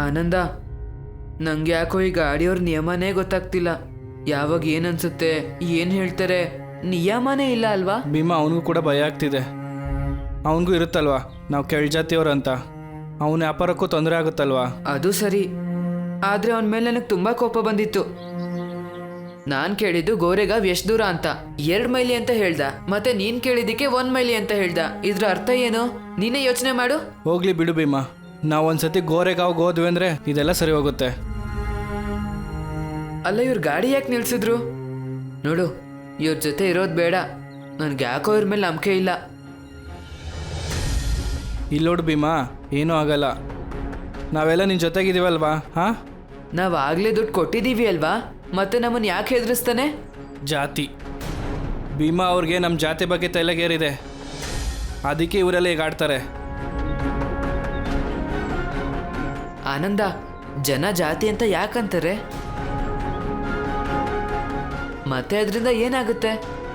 ಆನಂದ, ನಂಗೆ ಯಾಕೋ ಈ ಗಾಡಿಯವ್ರ ನಿಯಮನೇ ಗೊತ್ತಾಗ್ತಿಲ್ಲ. ಯಾವಾಗ ಏನನ್ಸುತ್ತೆ, ಏನು ಹೇಳ್ತಾರೆ, ನಿಯಮನೇ ಇಲ್ಲ ಅಲ್ವಾ? ಭೀಮಾ, ಅವನಿಗೂ ಕೂಡ ಭಯ ಆಗ್ತಿದೆ. ಅವನಿಗೂ ಇರುತ್ತಲ್ವಾ ನಾವು ಕೆಳಜಾತಿಯವ್ರು ಅಂತ. ಅವನ ವ್ಯಾಪಾರಕ್ಕೂ ತೊಂದರೆ ಆಗುತ್ತಲ್ವಾ? ಅದು ಸರಿ, ಆದರೆ ಅವನ ಮೇಲೆ ನನಗೆ ತುಂಬ ಕೋಪ ಬಂದಿತ್ತು. ನಾನು ಕೇಳಿದ್ದು ಗೋರೆಗಾವ್ ಎಷ್ಟು ದೂರ ಅಂತ, 2 ಮೈಲಿ ಅಂತ ಹೇಳ್ದ. ಮತ್ತೆ ನೀನು ಕೇಳಿದ್ದಕ್ಕೆ 1 ಮೈಲಿ ಅಂತ ಹೇಳ್ದ. ಇದ್ರ ಅರ್ಥ ಏನು? ನೀನೇ ಯೋಚನೆ ಮಾಡು. ಹೋಗ್ಲಿ ಬಿಡು ಭೀಮಾ, ನಾವು ಒಂದ್ಸತಿ ಗೋರೆಗಾವ್ಗೆ ಹೋದ್ವಿ ಅಂದರೆ ಇದೆಲ್ಲ ಸರಿ ಹೋಗುತ್ತೆ. ಅಲ್ಲ, ಇವ್ರ ಗಾಡಿ ಯಾಕೆ ನಿಲ್ಸಿದ್ರು? ನೋಡು, ಇವ್ರ ಜೊತೆ ಇರೋದು ಬೇಡ. ನನಗೆ ಯಾಕೋ ಇವ್ರ ಮೇಲೆ ನಂಬಿಕೆ ಇಲ್ಲ. ಇಲ್ಲೋಡು ಭೀಮಾ, ಏನೂ ಆಗಲ್ಲ. ನಾವೆಲ್ಲ ನಿನ್ನ ಜೊತೆಗಿದ್ದೀವಲ್ವಾ? ಹಾಂ, ನಾವು ಆಗಲೇ ದುಡ್ಡು ಕೊಟ್ಟಿದ್ದೀವಿ ಅಲ್ವಾ? ಮತ್ತೆ ನಮ್ಮನ್ನು ಯಾಕೆ ಹೆದರಿಸ್ತಾನೆ? ಜಾತಿ ಭೀಮಾ ಅವ್ರಿಗೆ ನಮ್ಮ ಜಾತಿ ಬಗ್ಗೆ ತಲೆಗೇರಿದೆ, ಅದಕ್ಕೆ ಇವರೆಲ್ಲ ಈಗ ಆಡ್ತಾರೆ. ಆನಂದ, ಜನ ಜಾತಿ ಅಂತ ಯಾಕಂತಾರೆ? ಮತ್ತೆ ಅದರಿಂದ ಏನಾಗುತ್ತೆ?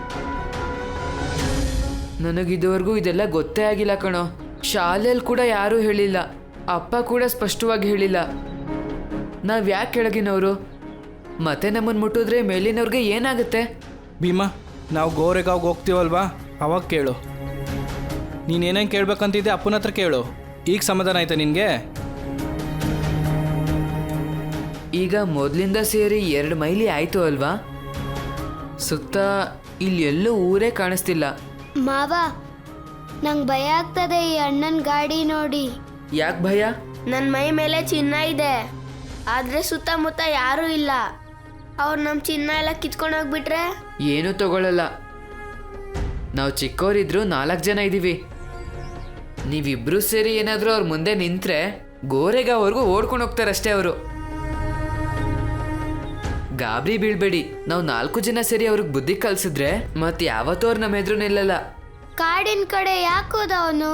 ನನಗಿದುವರೆಗೂ ಇದೆಲ್ಲ ಗೊತ್ತೇ ಆಗಿಲ್ಲ ಕಣೋ. ಶಾಲೆಯಲ್ಲಿ ಕೂಡ ಯಾರೂ ಹೇಳಿಲ್ಲ, ಅಪ್ಪ ಕೂಡ ಸ್ಪಷ್ಟವಾಗಿ ಹೇಳಿಲ್ಲ. ನಾವು ಯಾಕೆ ಕೆಳಗಿನವರು? ಮತ್ತೆ ನಮ್ಮನ್ನು ಮುಟ್ಟಿದ್ರೆ ಮೇಲಿನವ್ರಿಗೆ ಏನಾಗುತ್ತೆ? ಭೀಮಾ, ನಾವು ಗೋರೆಗಾವ್ಗೆ ಹೋಗ್ತೀವಲ್ವಾ, ಅವಾಗ ಕೇಳು. ನೀನೇನೇನು ಕೇಳ್ಬೇಕಂತಿದ್ದೆ ಅಪ್ಪನ ಹತ್ರ ಕೇಳು. ಈಗ ಸಮಾಧಾನ ಆಯ್ತಾ ನಿನಗೆ? ಈಗ ಮೊದಲಿಂದ ಸೇರಿ 2 ಮೈಲಿ ಆಯಿತು ಅಲ್ವಾ? ಸುತ್ತ ಇಲ್ಲಿ ಎಲ್ಲೂ ಊರೇ ಕಾಣಿಸ್ತಿಲ್ಲ. ಮಾವ, ನಂಗೆ ಭಯ ಆಗ್ತದೆ ಈ ಅಣ್ಣನ ಗಾಡಿ ನೋಡಿ. ಯಾಕೆ ಭಯ? ನನ್ನ ಮೈ ಮೇಲೆ ಚಿನ್ನ ಇದೆ, ಆದರೆ ಸುತ್ತಮುತ್ತ ಯಾರೂ ಇಲ್ಲ. ಅವ್ರು ನಮ್ಮ ಚಿನ್ನ ಎಲ್ಲ ಕಿತ್ಕೊಂಡು ಹೋಗ್ಬಿಟ್ರೆ? ಏನೂ ತಗೊಳ್ಳಲ್ಲ. ನಾವು ಚಿಕ್ಕವರಿದ್ರು 4 ಜನ ಇದ್ದೀವಿ. ನೀವಿಬ್ರು ಸೇರಿ ಏನಾದರೂ ಅವ್ರ ಮುಂದೆ ನಿಂತ್ರೆ ಗೋರೆಗಾವ್ವರೆಗೂ ಓಡ್ಕೊಂಡು ಹೋಗ್ತಾರಷ್ಟೇ ಅವರು. ಗಾಬರಿ ಬೀಳ್ಬೇಡಿ. ನಾವು 4 ಜನ ಸೇರಿ ಅವ್ರಿಗೆ ಬುದ್ಧಿ ಕಲಿಸಿದ್ರೆ ಮತ್ತೆ ಯಾವತ್ತೂ ಅವ್ರು ನಮ್ಮ ಎದುರು ನಿಲ್ಲಲ್ಲ. ಕಾಡಿನ ಕಡೆ ಯಾಕೆ ಹೋದ ಅವನು?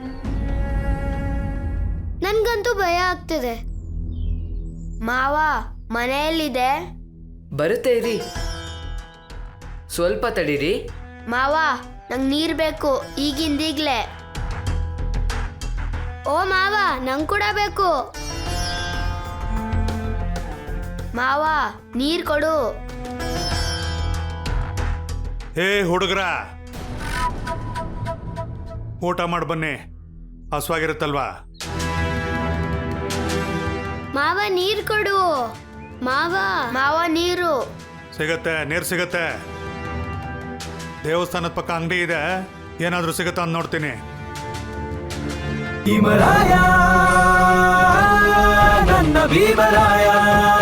ನನ್ಗಂತೂ ಭಯ ಆಗ್ತಿದೆ. ಮಾವ ಮನೆಯಲ್ಲಿದೆ, ಬರುತ್ತೆ ಇರಿ, ಸ್ವಲ್ಪ ತಡೀರಿ. ಮಾವ ನಂಗೆ ನೀರು ಬೇಕು ಈಗಿಂದೀಗ್ಲೇ. ಓ ಮಾವ, ನಂಗೆ ಕೂಡ ಬೇಕು. ಮಾವ ನೀರು ಕೊಡು. ಹೇ ಹುಡುಗರ, ಊಟ ಮಾಡಿ ಬನ್ನಿ, ಹಸುವಾಗಿರುತ್ತಲ್ವಾ? ಮಾವ ನೀರು ಕೊಡು. ಮಾವ ಮಾವ ನೀರು ಸಿಗತ್ತೆ, ನೀರು ಸಿಗತ್ತೆ. ದೇವಸ್ಥಾನದ ಪಕ್ಕ ಅಂಗಡಿ ಇದೆ, ಏನಾದರೂ ಸಿಗುತ್ತಾ ಅಂತ ನೋಡ್ತೀನಿ. ಹಿಮರಾಯ ನನ್ನ ಭೀಮರಾಯ.